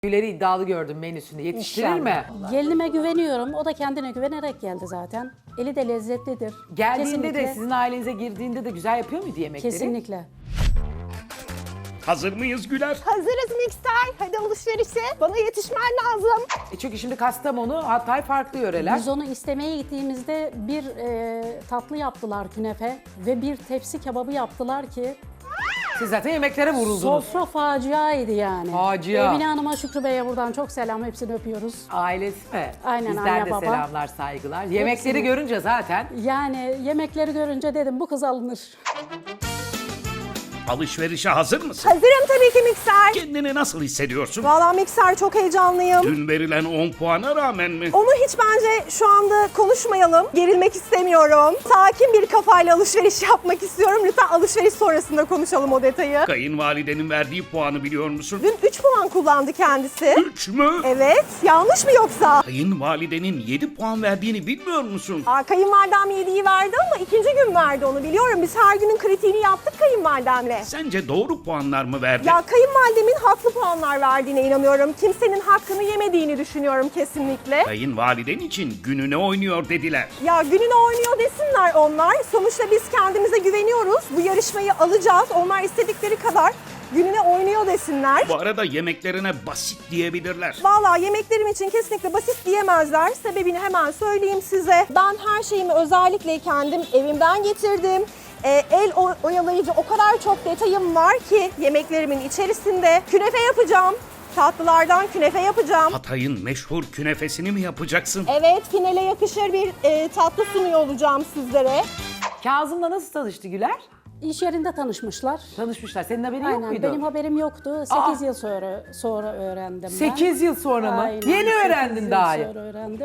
Gülleri iddialı gördüm menüsünde. Yetiştirir İnşallah. mi? Gelinime güveniyorum. O da kendine güvenerek geldi zaten. Eli de lezzetlidir. Geldiğinde de Kesinlikle. sizin ailenize girdiğinde de güzel yapıyor muydu yemekleri? Kesinlikle. Hazır mıyız Güler? Hazırız mikser. Hadi alışverişe. Bana yetişmen lazım. Çünkü şimdi Kastamonu, Hatay farklı yöreler. Biz onu istemeye gittiğimizde bir tatlı yaptılar künefe ve bir tepsi kebabı yaptılar ki Siz zaten yemeklere vuruldunuz. sofra faciaydı yani. Facia. Emine Hanım'a, Şükrü Bey'e buradan çok selam. Hepsini öpüyoruz. Ailesi mi? Aynen, Bizden anne, de baba. selamlar, saygılar. Yemekleri Hepsini. görünce zaten Yani yemekleri görünce dedim bu kız alınır. Alışverişe hazır mısın? Hazırım tabii ki mikser. Kendini nasıl hissediyorsun? Valla mikser çok heyecanlıyım. Dün verilen 10 puana rağmen mi? Onu hiç bence şu anda konuşmayalım. Gerilmek istemiyorum. Sakin bir kafayla alışveriş yapmak istiyorum. Lütfen alışveriş sonrasında konuşalım o detayı. Kayınvalidenin verdiği puanı biliyor musun? Dün 3 puan kullandı kendisi. 3 mü? Evet. Yanlış mı yoksa? Kayınvalidenin 7 puan verdiğini bilmiyor musun? Kayınvalidem 7'yi verdi ama ikinci gün verdi onu biliyorum. Biz her günün kritiğini yaptık kayınvalidemle. Sence doğru puanlar mı verdi? Ya kayınvalidemin haklı puanlar verdiğine inanıyorum. Kimsenin hakkını yemediğini düşünüyorum kesinlikle. Kayınvaliden için gününe oynuyor dediler. Ya gününü oynuyor desinler onlar. Sonuçta biz kendimize güveniyoruz. Bu yarışmayı alacağız. Onlar istedikleri kadar gününe oynuyor desinler. Bu arada yemeklerine basit diyebilirler. Vallahi yemeklerim için kesinlikle basit diyemezler. Sebebini hemen söyleyeyim size. Ben her şeyimi özellikle kendim evimden getirdim. El oyalayıcı o kadar çok detayım var ki yemeklerimin içerisinde. Künefe yapacağım. Tatlılardan künefe yapacağım. Hatay'ın meşhur künefesini mi yapacaksın? Evet, finale yakışır bir tatlı sunuyor olacağım sizlere. Kazım'la nasıl tanıştı Güler? İş yerinde tanışmışlar. Tanışmışlar. Senin haberin yok Aynen, muydu? benim haberim yoktu. 8 yıl sonra öğrendim ben. 8 yıl sonra mı? Aynen, Yeni 8 öğrendin yıl daha. sonra öğrendim.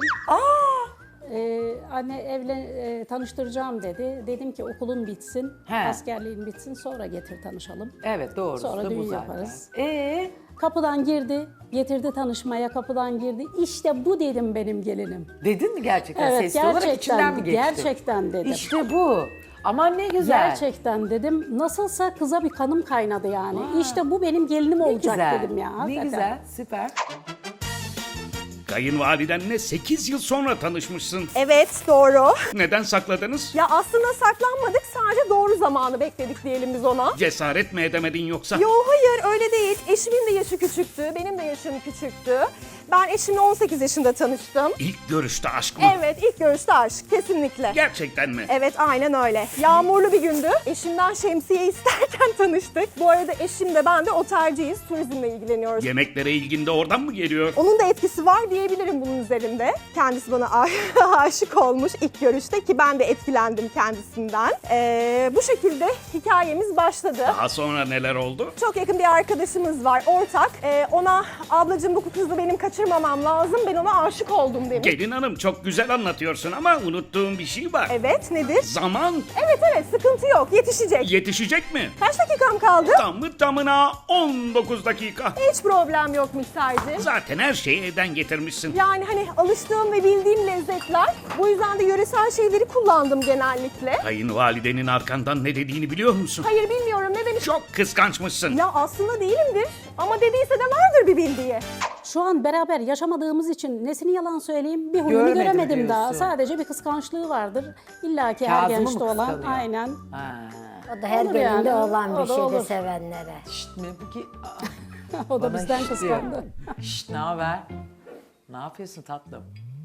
Anne tanıştıracağım dedi. Dedim ki okulun bitsin, He. askerliğin bitsin sonra getir tanışalım. Evet doğrusu Sonra da bu düğün zaten. yaparız. Kapıdan Girdi, getirdi tanışmaya, kapıdan girdi. İşte bu dedim benim gelinim. Dedin mi gerçekten? Evet, Sesli olarak içinden mi geçti? gerçekten dedim. İşte bu. Aman ne güzel. Gerçekten dedim. Nasılsa kıza bir kanım kaynadı yani. İşte bu benim gelinim Ne olacak güzel. dedim ya. Ne hakikaten. güzel, süper. Kayınvalidenle 8 yıl sonra tanışmışsın. Evet, doğru. Neden sakladınız? Ya aslında saklanmadık, sadece doğru zamanı bekledik diyelim biz ona. Cesaret mi edemedin yoksa? Yo hayır öyle değil. Eşimin de yaşı küçüktü, benim de yaşım küçüktü. Ben eşimle 18 yaşında tanıştım. İlk görüşte aşk mı? Evet, ilk görüşte aşk, kesinlikle. Gerçekten mi? Evet, aynen öyle. Yağmurlu bir gündü. Eşimden şemsiye isterken tanıştık. Bu arada eşim de ben de otelciyiz, turizmle ilgileniyoruz. Yemeklere ilgin de oradan mı geliyor? Onun da etkisi var diyebilirim bunun üzerinde. Kendisi bana aşık olmuş ilk görüşte ki ben de etkilendim kendisinden. Bu şekilde hikayemiz başladı. Daha sonra neler oldu? Çok yakın bir arkadaşımız var, ortak. Ona ablacığım bu kızı benim kaçırmamam lazım, ben ona aşık oldum demiş. Gelin hanım çok güzel anlatıyorsun ama unuttuğum bir şey var. Evet, nedir? Zaman Evet, sıkıntı yok, yetişecek. yetişecek mi? Kaç dakikam kaldı? Tamı tamına 19 dakika. Hiç problem yok mikserci. Zaten her şeyi evden getirmişsin. Yani hani alıştığım ve bildiğim lezzetler. Bu yüzden de yöresel şeyleri kullandım genellikle. Kayınvalidenin arkandan ne dediğini biliyor musun? Hayır bilmiyorum ne demiş. Çok kıskançmışsın. Ya aslında değilimdir ama dediyse de vardır bir bildiği. Şu an beraber yaşamadığımız için nesini yalan söyleyeyim bir huyunu Görmedim göremedim daha. diyorsun. Sadece bir kıskançlığı vardır. İlla ki her Kazım'ı gençte mı olan. kıskanıyor? Aynen. Ha. O da her Olur gelinde yani, olan o bir da şeydir olur. sevenlere. Şşt mi bu ki? O da Bana bizden şşt diyor. kıskandı. Şşt ne haber? Ne yapıyorsun tatlım?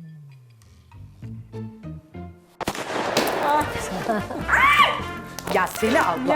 Ya seni Allah.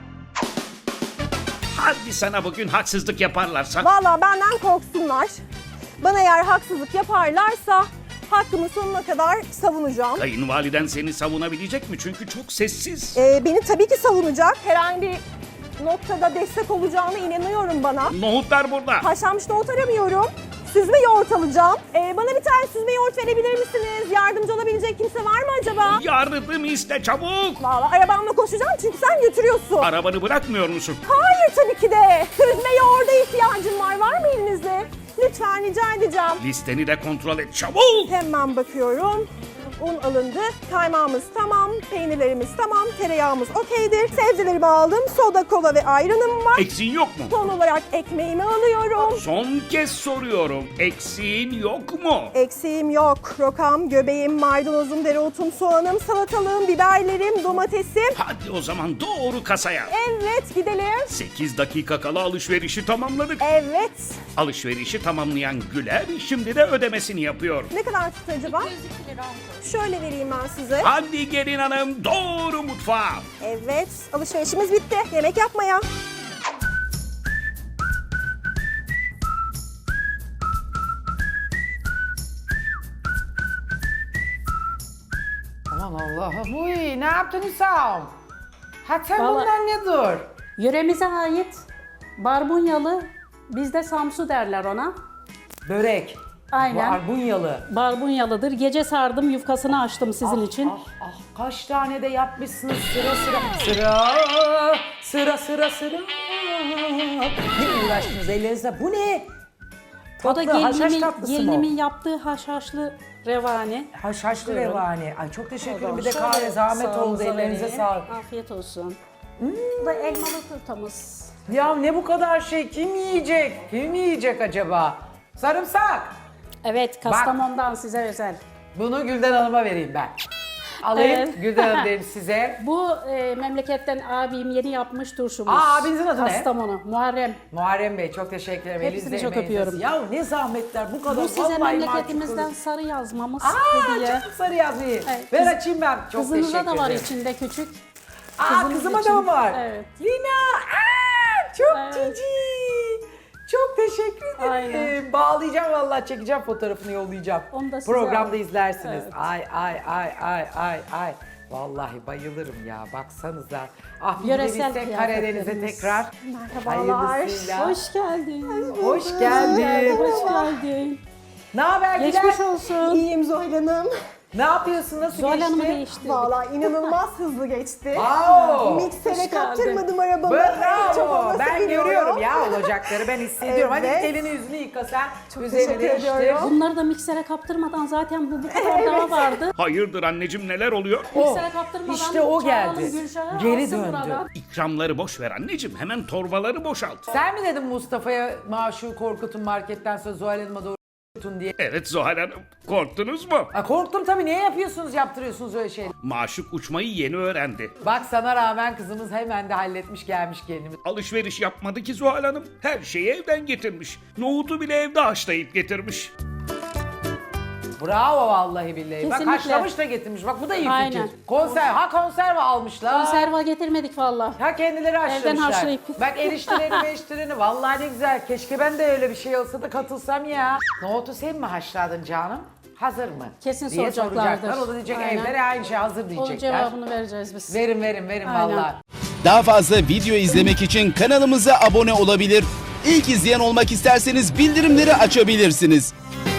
Hadi sana bugün haksızlık yaparlarsa. Vallahi benden korksunlar. Bana eğer haksızlık yaparlarsa hakkımı sonuna kadar savunacağım. Kayınvaliden seni savunabilecek mi? Çünkü çok sessiz. Beni tabii ki savunacak. Herhangi bir noktada destek olacağına inanıyorum bana. Nohutlar burada. Haşlanmış nohut aramıyorum. Süzme yoğurt alacağım. Bana bir tane süzme yoğurt verebilir misiniz? Yardımcı olabilecek kimse var mı acaba? Yardım iste çabuk. Vallahi arabamla koşacağım çünkü sen götürüyorsun. Arabanı bırakmıyor musun? Hayır tabii ki de. Süzme yoğurda ihtiyacım var. Var mı elinizde? Lütfen rica edeceğim. Listeni de kontrol et çabuk. Hemen bakıyorum. Un alındı. Kaymağımız tamam, peynirlerimiz tamam, tereyağımız okeydir. Sebzelerimi aldım. Soda, kola ve ayranım var. Eksiğin yok mu? Son olarak ekmeğimi alıyorum. Son kez soruyorum. Eksiğin yok mu? Eksiğim yok. Rokam, göbeğim, maydanozum, dereotum, soğanım, salatalığım, biberlerim, domatesim. Hadi o zaman doğru kasaya. Evet, gidelim. 8 dakika kala alışverişi tamamladık. Evet. Alışverişi tamamlayan Güler şimdi de ödemesini yapıyor. Ne kadar tuttu acaba? 202 lira oldu. Şöyle vereyim ben size. Hadi gelin hanım doğru mutfağa. Evet, alışverişimiz bitti. Yemek yapmaya. Aman Allah'ım. Uy, ne yaptın Hüsam? Ha sen Vallahi- bundan ne dur? Yöremize ait barbunyalı, bizde samsu derler ona. Börek. Aynen. Barbunyalı. Barbunyalıdır. Gece sardım, yufkasını açtım sizin için. Ah, kaç tane de yapmışsınız sıra sıra. Sıra. Ne uğraştınız ellerinize? Bu ne? O da Tatlı, haşhaş gelinimin, tatlısı mı o? gelinimin yaptığı haşhaşlı revani. Haşhaşlı Buyurun. revani. Ay çok teşekkür ederim. Bir de Şöyle kahve zahmet oldu. sağınıza Ellerinize vereyim. sağlık. Afiyet olsun. Bu da elmalı turtamız. Ya ne bu kadar şey? Kim yiyecek? Kim yiyecek acaba? Sarımsak. Evet, Kastamonu'dan size özel. Bunu Gülden Hanım'a vereyim ben. Alayım. Evet. Gülden Hanım derim size. Bu memleketten abim yeni yapmış turşumuz. Aa, abinizin adı ne? Kastamonu, Muharrem. Muharrem Bey çok teşekkür ederim. Hepsini Elinizde, çok emeğinize öpüyorum. Ya ne zahmetler bu kadar. Bu size Vallahi memleketimizden mahcup sarı yazmamız kalırım. Aa hediye. canım sarı yazmayı. Evet, Ver kız- açayım ben. Çok Kızınıza teşekkür da var ederim. içinde küçük. Aa Kızınız kızıma için. da mı var? Evet. Lina. Aa, çok Evet. cici. Çok teşekkür ederim. Aynen. Bağlayacağım vallahi çekeceğim fotoğrafını yollayacağım. Onu da size Programda al. izlersiniz. Evet. Ay. Vallahi bayılırım ya baksanıza. Ah bir de Yöresel bilsek Karadeniz'e kıyafetlerimiz. tekrar. Merhabalar. Hayırlısıyla. Hoş geldin. Hoş geldin. Hoş geldin. Ne haber Güler? Geçmiş olsun. İyiyim Zuhal Hanım. Ne yapıyorsun? Nasıl Zuhal Hanım'ı geçti? değiştirdik. Vallahi inanılmaz hızlı geçti. Wow. Miksere Hoş geldin. kaptırmadım arabamı. Çok Bravo. olması Ben biliyorum. görüyorum ya olacakları. Ben hissediyorum. Hadi Evet. elini yüzünü yıka sen. Çok Üzerini teşekkür değiştir. ediyorum. Bunları da miksere kaptırmadan zaten bu kadar daha vardı. Hayırdır anneciğim neler oluyor? Miksere kaptırmadan İşte o çağıralım geldi. Gülşah'ı, Geri alsın döndü. buradan. İkramları boş ver anneciğim. Hemen torbaları boşalt. Sen mi dedin Mustafa'ya maaşı korkutun marketten sonra Zuhal Hanım'a doğru korkutun diye? Evet Zuhal Hanım. Korktunuz mu? Ha, korktum tabii. Niye yapıyorsunuz, yaptırıyorsunuz öyle şeyleri? Maşuk uçmayı yeni öğrendi. Bak sana rağmen kızımız hemen de halletmiş gelmiş gelinimiz. Alışveriş yapmadı ki Zuhal Hanım. Her şeyi evden getirmiş. Nohutu bile evde haşlayıp getirmiş. Bravo vallahi billahi. Bak Kesinlikle. haşlamış da getirmiş. Bak bu da iyi Aynen. fikir. Konserve almışlar. Konserva getirmedik valla. Ha kendileri haşlamışlar. haşlayıp. Bak eriştirini vallahi ne güzel. Keşke ben de öyle bir şey olsa da katılsam ya. Nohutu sen mi haşladın canım? Hazır mı? Kesin diye soracaklardır. soracaklar. O da diyecek Aynen. evlere aynı şey hazır Onun diyecekler. cevabını vereceğiz biz. Verin Aynen. vallahi. Daha fazla video izlemek için kanalımıza abone olabilir. İlk izleyen olmak isterseniz bildirimleri açabilirsiniz.